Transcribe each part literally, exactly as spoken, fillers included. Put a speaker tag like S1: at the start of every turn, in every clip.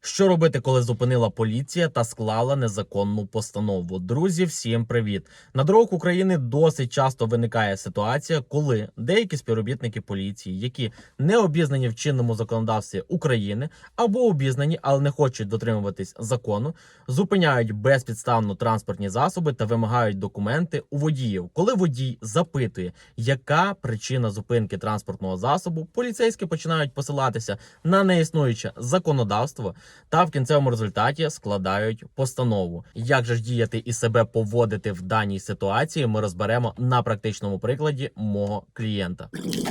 S1: Що робити, коли зупинила поліція та склала незаконну постанову? Друзі, всім привіт! На дорогах України досить часто виникає ситуація, коли деякі співробітники поліції, які не обізнані в чинному законодавстві України або обізнані, але не хочуть дотримуватись закону, зупиняють безпідставно транспортні засоби та вимагають документи у водіїв. Коли водій запитує, яка причина зупинки транспортного засобу, поліцейські починають посилатися на неіснуюче законодавство та в кінцевому результаті складають постанову. Як же ж діяти і себе поводити в даній ситуації, ми розберемо на практичному прикладі мого клієнта.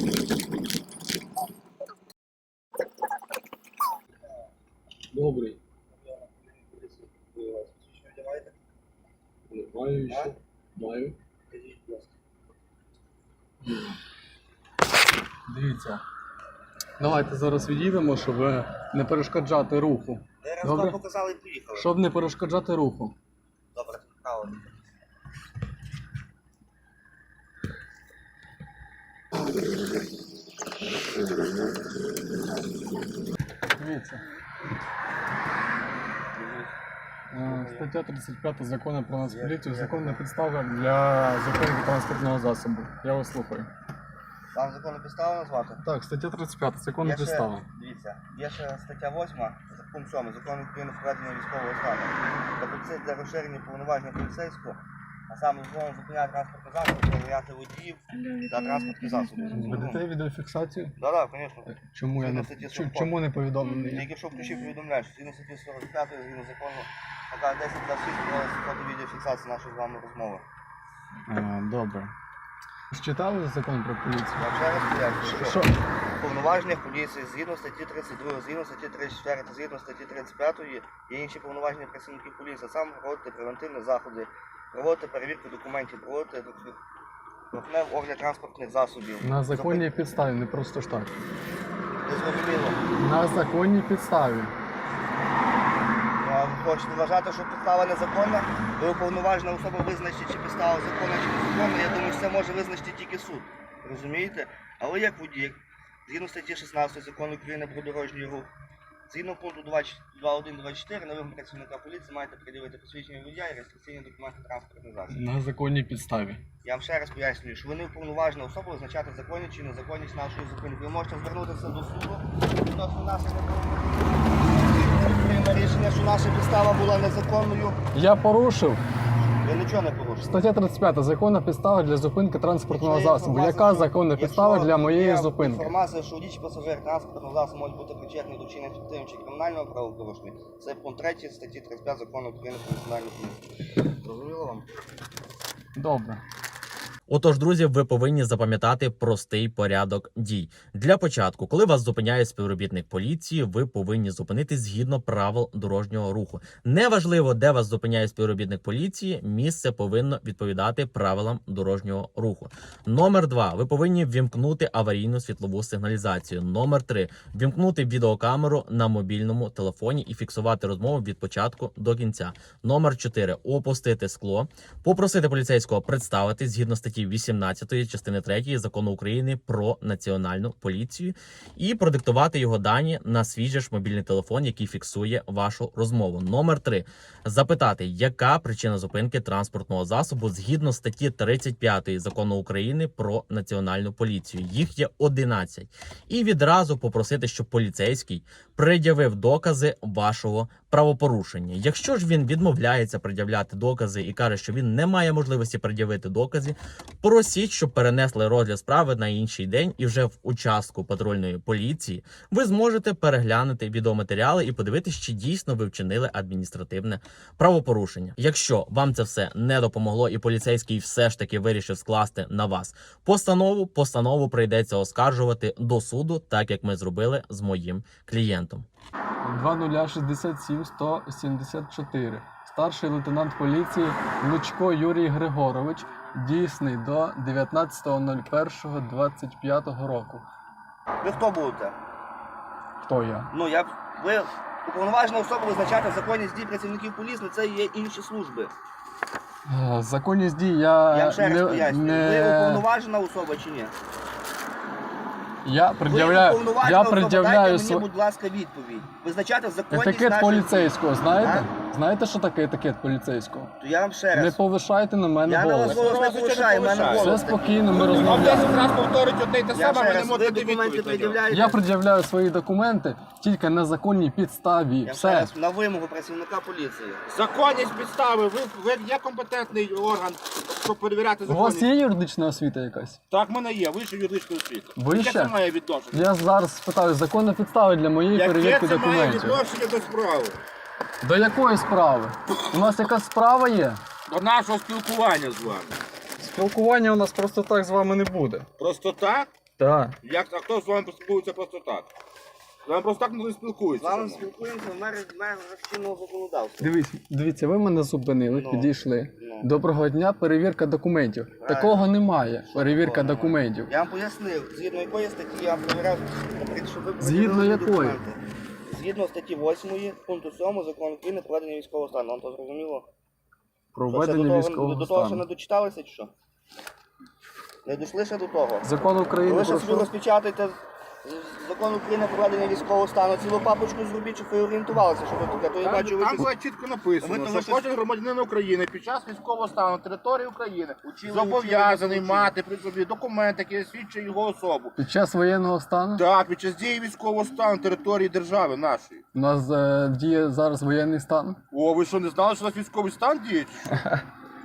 S2: Добрий. Маю ще. Маю. Дивіться. Давайте зараз відійдемо, щоб не перешкоджати руху.
S3: Раз
S2: Добре?
S3: вам показали і поїхали.
S2: Щоб не перешкоджати руху.
S3: Добре, право.
S2: Дивіться. Е, Стаття тридцять п'ять закону про нас поліцію. Законна підстава для зупинки транспортного засобу. Я вас слухаю.
S3: Вам законну підставу назвати?
S2: Так, стаття тридцять п'ять, законна
S3: Є ще-
S2: підстава.
S3: Дивіться, є ще стаття восьма, пункт сьомий, закон України про введення військового стану. Тобто це для розширення повноважень поліцейського, а саме знову зупиняти транспортний засіб, перевіряти водіїв та транспортні засоби.
S2: Ведете відеофіксацію?
S3: Так, так, звісно.
S2: Чому я не,
S3: Статті
S2: чу-
S3: сорок.
S2: чому не повідомлений?
S3: Тільки що включив повідомляєш, згідно статті сорок п'ять, згідно закону, така десять двадцять шість проводиться фото відеофіксації нашої з вами розмови.
S2: А, добре. Читали закон про поліцію?
S3: Я ще раз пояснюю,
S2: Що?
S3: що повноваження поліції згідно статті тридцять два, згідно статті тридцять чотири, згідно статті тридцять п'ять є інші повноваження працівників поліції, а саме проводити превентивні заходи, проводити перевірку документів, проводити трохневий огляд транспортних засобів.
S2: На законній підставі, не просто ж так.
S3: Не зрозуміло.
S2: На законній підставі.
S3: А ви хочете вважати, що підстава незаконна? Ви уповноважена особа визначить, чи підстава законна, чи незаконна. Я думаю, що це може визначити тільки суд. Розумієте? Але як водій, згідно статті шістнадцять закону України про дорожній рух, згідно пункту двадцять два один двадцять чотири на вимогу працівника поліції маєте приділити посвідчення водія і реєстраційні документи транспортних засобів.
S2: На законній підставі.
S3: Я вам ще раз пояснюю, що ви не уповноважена особа визначати законність чи незаконність нашої зупинки. Ви можете звернутися до суду відносно нашої рішення, що наша підстава була незаконною.
S2: Я порушив.
S3: Ви нічого не порушили.
S2: Стаття тридцять п'ять. Законна підстава для зупинки транспортного
S3: Якщо є
S2: засобу.
S3: інформація,
S2: Яка
S3: що-
S2: законна
S3: якщо
S2: підстава для моєї
S3: є
S2: зупинки?
S3: Інформація, що водій чи пасажир транспортного засобу може бути причетний до вчинення фіктивного чи кримінального правопорушення. Це пункт третій статті тридцять п'ять закону України про національну поліцію. Зрозуміло вам?
S2: Добре.
S1: Отож, друзі, ви повинні запам'ятати простий порядок дій. Для початку, коли вас зупиняє співробітник поліції, ви повинні зупинитись згідно правил дорожнього руху. Неважливо, де вас зупиняє співробітник поліції, місце повинно відповідати правилам дорожнього руху. Номер два. Ви повинні ввімкнути аварійну світлову сигналізацію. Номер три. Ввімкнути відеокамеру на мобільному телефоні і фіксувати розмову від початку до кінця. Номер чотири. Опустити скло. Попросити поліцейського представити згідно статті вісімнадцятої частини третьої закону України про національну поліцію і продиктувати його дані на свій же ж мобільний телефон, який фіксує вашу розмову. Номер три. Запитати, яка причина зупинки транспортного засобу згідно статті тридцять п'ятої закону України про національну поліцію. Їх є одинадцять. І відразу попросити, щоб поліцейський пред'явив докази вашого правопорушення. Якщо ж він відмовляється пред'являти докази і каже, що він не має можливості пред'явити докази, просіть, щоб перенесли розгляд справи на інший день, і вже в участку патрульної поліції ви зможете переглянути відеоматеріали і подивитися, чи дійсно ви вчинили адміністративне правопорушення. Якщо вам це все не допомогло і поліцейський все ж таки вирішив скласти на вас постанову, постанову прийдеться оскаржувати до суду, так як ми зробили з моїм клієнтом.
S2: два нуль шістдесят сім сто сімдесят чотири. Старший лейтенант поліції Лучко Юрій Григорович, дійсний до дев'ятнадцятого першого двадцять п'ятого року.
S3: Ви хто будете?
S2: Хто я?
S3: Ну, я... Ви уповноважена особа визначати законність дій працівників поліції, це є інші служби.
S2: Е, Законність дій я,
S3: Я вам ще раз
S2: не,
S3: пояснюю.
S2: не...
S3: Ви уповноважена особа чи ні?
S2: Я
S3: Ви
S2: пред'являю,
S3: уповноважена
S2: я
S3: особа,
S2: пред'являю
S3: дайте мені,
S2: сво...
S3: будь ласка, відповідь. Визначати законність
S2: етикет
S3: наших
S2: поліцейського, знаєте?
S3: А?
S2: Знаєте, що таке етикет поліцейського?
S3: дій. То я вам ще
S2: Не
S3: раз.
S2: повишайте на мене
S3: Я на вас
S2: голос.
S3: голос не повишаю, в мене
S4: повишаю.
S2: Все
S3: голос.
S2: спокійно, ми
S4: Вам
S2: розмовляємо.
S4: десять раз повторить одне й те
S3: Я
S4: саме,
S3: ще
S4: ви не
S3: раз, ви
S4: можете
S3: документи
S4: відповідь на нього.
S3: пред'являєте.
S2: Я пред'являю свої документи тільки на законній підставі.
S3: Я ще
S2: Все.
S3: раз на вимогу працівника поліції.
S4: Законність підстави, ви, ви є компетентний орган, щоб перевіряти
S2: У
S4: законність.
S2: вас є юридична освіта якась?
S4: Так, в мене є, вища юридична освіта.
S2: Вища?
S4: Яке це має відношення?
S2: Я зараз спитаю, законна підстава для моєї
S4: Яке
S2: перевірки
S4: це має
S2: документів.
S4: відношення до справи?
S2: До якої справи? У нас якась справа є?
S4: До нашого спілкування з вами.
S2: Спілкування у нас просто так з вами не буде.
S4: Просто так?
S2: Так.
S4: Як, а хто з вами поспілкується просто так? З вами просто так не
S3: З
S4: спілкується.
S3: вами
S4: зі мною.
S3: спілкуємося в межах чинного законодавства.
S2: Дивіться, дивіться, ви мене зупинили,
S3: Ну.
S2: підійшли.
S3: Ну.
S2: Доброго дня, перевірка документів.
S3: Правильно.
S2: Такого немає. Перевірка
S3: Такого немає.
S2: документів.
S3: Я вам пояснив, згідно якої статті я перевіряв, наприклад, щоб ви
S2: Згідно
S3: пред'явили
S2: якої?
S3: документи. Згідно статті восьмої, пункту сьомого закону України про ведення військового стану. Вам то зрозуміло? Що, ще
S2: Проведення
S3: до того,
S2: військового
S3: до того ще
S2: стану.
S3: не дочиталися чи що? Не дійшли ще до того?
S2: Закон України
S3: Ви ще
S2: про
S3: собі
S2: що?
S3: розпечатайте з- закон України про ведення військового стану, цілу папочку зробіть, щоб ви орієнтувалися, що ви таке. То я
S4: Там,
S3: бачу, ви
S4: там
S3: щось-
S4: буде чітко написано,
S3: Ви- ви
S4: що
S3: щось-
S4: кожен громадянин України під час військового стану на території України
S3: Учили,
S4: зобов'язаний
S3: учили, учили.
S4: мати при собі документ, який свідчить його особу.
S2: Під час воєнного стану?
S4: Так, під час дії військового стану на території держави нашої.
S2: У нас е, діє зараз воєнний стан.
S4: О, ви що, не знали, що у нас військовий стан діє? чи що?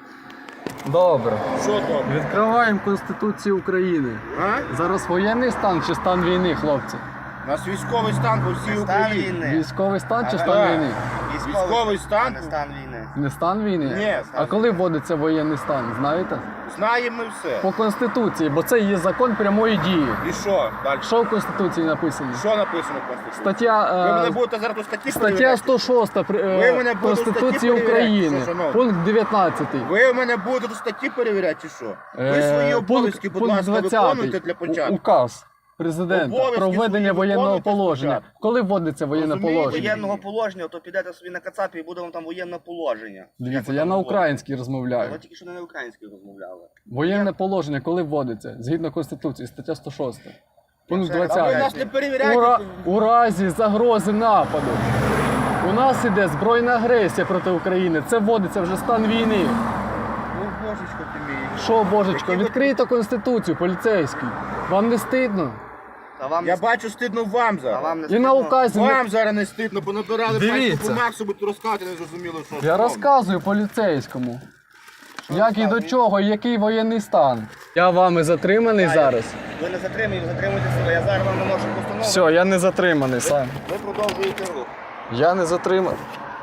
S2: Добре.
S4: Що там?
S2: Відкриваємо Конституцію України.
S4: А?
S2: Зараз воєнний стан чи стан війни, хлопці?
S4: У нас військовий стан по всій
S3: Стан
S4: Україні.
S3: війни.
S2: Військовий стан чи
S3: Ага.
S2: стан
S4: Так.
S2: війни?
S4: Військовий стан?
S3: а не стан війни.
S2: Не стан війни?
S4: Ні.
S2: А коли вводиться воєнний стан, знаєте?
S4: Знаємо ми все.
S2: По Конституції, бо це є закон прямої дії.
S4: І що далі?
S2: Що в Конституції написано?
S4: Що написано в Конституції?
S2: Стаття,
S4: Ви мене
S2: е,
S4: будете зараз у статті
S2: стаття
S4: перевіряти?
S2: сто шість при- е,
S4: Ви мене будете
S2: Конституції
S4: статті
S2: України,
S4: перевіряти, що, шановні?
S2: пункт дев'ятнадцятий.
S4: Ви мене будете до статті перевіряти чи що? Ви
S2: Е,
S4: свої
S2: пункт-
S4: обов'язки, будь
S2: пункт
S4: ласка,
S2: двадцятий.
S4: виконуйте для
S2: У-
S4: початку.
S2: Указ президента
S4: Обов'язки
S2: про введення
S4: свої
S2: воєнного
S4: виконуйте
S2: положення.
S4: спочатку.
S2: Коли вводиться воєнне
S4: Розумієте,
S2: положення?
S3: Воєнного положення, то підете собі на Кацапі і буде вам там воєнне положення. Як
S2: Дивіться,
S3: ви
S2: я
S3: там
S2: на
S3: говорите?
S2: українській
S3: Ви
S2: розмовляю.
S3: тільки що не на українській розмовляли.
S2: Воєнне положення коли вводиться? Згідно Конституції, стаття сто шість. Пункт
S3: ще раз
S4: А ви
S2: двадцятий.
S4: нас не
S2: У, ра-
S4: перевіряєте.
S2: у разі загрози нападу. У нас іде збройна агресія проти України. Це вводиться вже стан війни.
S4: Ну, божечко ти мій.
S2: Що, божечко,
S4: Які ви-
S2: відкрийте Конституцію, поліцейський. Вам не стидно?
S3: Та вам
S4: Я
S3: не
S4: бачу, стидно вам
S3: Та
S4: зараз.
S3: вам не
S2: І на
S3: стидно?
S2: указі не-
S4: Вам зараз не стидно, бо набирали
S2: Дивіться.
S4: пальцю по Максу, будуть розказати, не зрозуміло, що.
S2: Я
S4: шановні.
S2: розказую поліцейському. Як і
S3: розказуєте?
S2: до чого, який воєнний стан. Я вами затриманий
S3: Та,
S2: зараз.
S3: Ви не затримуєте, затримуйте себе. Я зараз вам наношу постанову.
S2: Все, я не затриманий сам.
S3: Ви продовжуєте рух.
S2: Я не затриманий.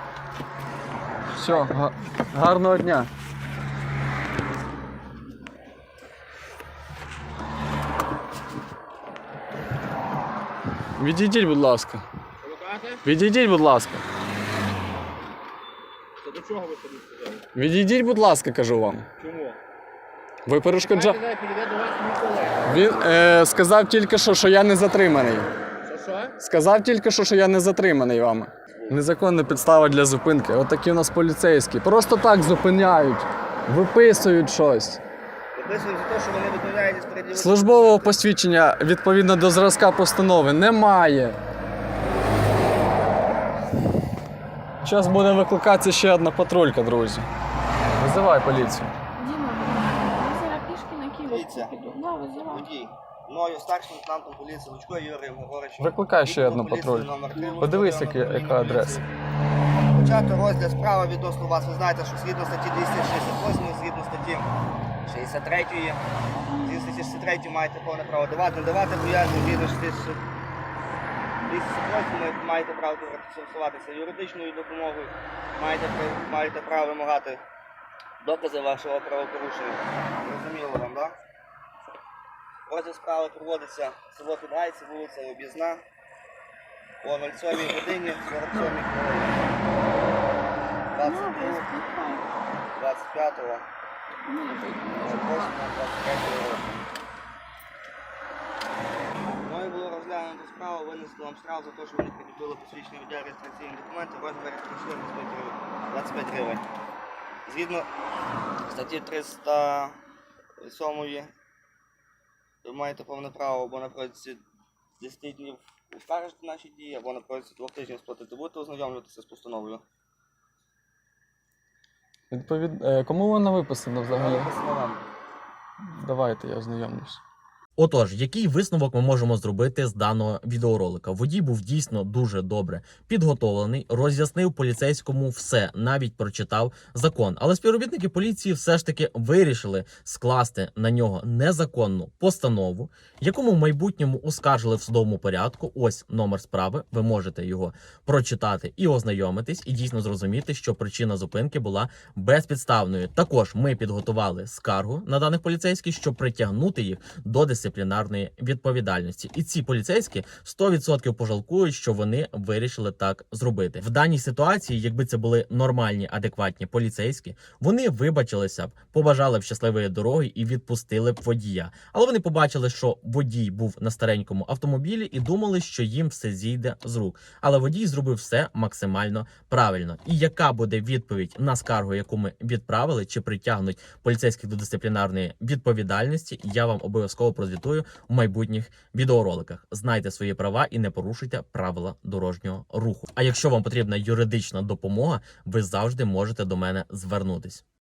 S2: Все, га- гарного дня. Відійдіть, будь ласка.
S4: Що ви кажете?
S2: Відійдіть, будь ласка.
S4: Це до чого ви собі сказали?
S2: Відійдіть, будь ласка, кажу вам.
S4: Чому?
S2: Ви перешкоджа...
S4: Давайте, підійде до вас мій колега.
S2: Він е, сказав тільки що, що я не затриманий.
S4: Що, що?
S2: Сказав тільки що, що я не затриманий вами. Незаконна підстава для зупинки. От такі у нас поліцейські. Просто так зупиняють, виписують щось.
S3: Виписуємо за те, що вони відмовляєтесь переділити.
S2: Службового посвідчення відповідно до зразка постанови немає. Зараз буде викликатися ще одна патрулька, друзі. Визивай поліцію.
S5: Діма, я зараз пішки на
S3: Дивіться.
S5: Київську піду. Да, визивай.
S3: Водій. Мною старшим лейтенантом поліції Лучкою Юрієм Григоровичем.
S2: Викликай ще одну
S3: Поліції
S2: патруль.
S3: номер три,
S2: Подивись,
S3: Луцького
S2: яка-
S3: району
S2: яка
S3: управління
S2: адреса.
S3: поліції. Почати розгляд справи відносно вас. Ви знаєте, що згідно статті двісті шістдесят восьм, згідно статті шістдесят три, згідно статті шістдесят три маєте повне право давати, не давати пояснення, згідно статті двісті восьм маєте право користуватися юридичною допомогою, маєте, пра- маєте право вимагати докази вашого правопорушення. Зрозуміло вам, так? Розгляд справи проводиться в село Підгайці, вулиця Об'їзна, о сьомій годині сорок сьомій хвилині.
S5: Ну,
S3: двадцять другого,
S5: викликай.
S3: двадцять п'ятого,
S5: Ну, викликай.
S3: восьмого, двадцять третього року. Мною було розглянуто справу, винесли вам штраф за те, що ви не прикріпили посвідчення водія реєстраційні документи в розмірі двадцять п'ять гривень. Згідно статті триста сьомої ви маєте повне право або на протязі з десяти днів оскаржити наші дії, або на протязі двох тижнів сплатити. Будете ознайомлюватися з постановою?
S2: Відповід... е, Кому вона виписана взагалі?
S3: Написано вам.
S2: Давайте я ознайомлюсь.
S1: Отож, який висновок ми можемо зробити з даного відеоролика? Водій був дійсно дуже добре підготовлений, роз'яснив поліцейському все, навіть прочитав закон. Але співробітники поліції все ж таки вирішили скласти на нього незаконну постанову, яку ми в майбутньому оскаржили в судовому порядку. Ось номер справи. Ви можете його прочитати і ознайомитись, і дійсно зрозуміти, що причина зупинки була безпідставною. Також ми підготували скаргу на даних поліцейських, щоб притягнути їх до дисциплінарної відповідальності. І ці поліцейські сто відсотків пожалкують, що вони вирішили так зробити. В даній ситуації, якби це були нормальні, адекватні поліцейські, вони вибачилися б, побажали б щасливої дороги і відпустили б водія. Але вони побачили, що водій був на старенькому автомобілі і думали, що їм все зійде з рук. Але водій зробив все максимально правильно. І яка буде відповідь на скаргу, яку ми відправили, чи притягнуть поліцейських до дисциплінарної відповідальності, я вам обов'язково прозвітую в майбутніх відеороликах. Знайте свої права і не порушуйте правила дорожнього руху. А якщо вам потрібна юридична допомога, ви завжди можете до мене звернутись.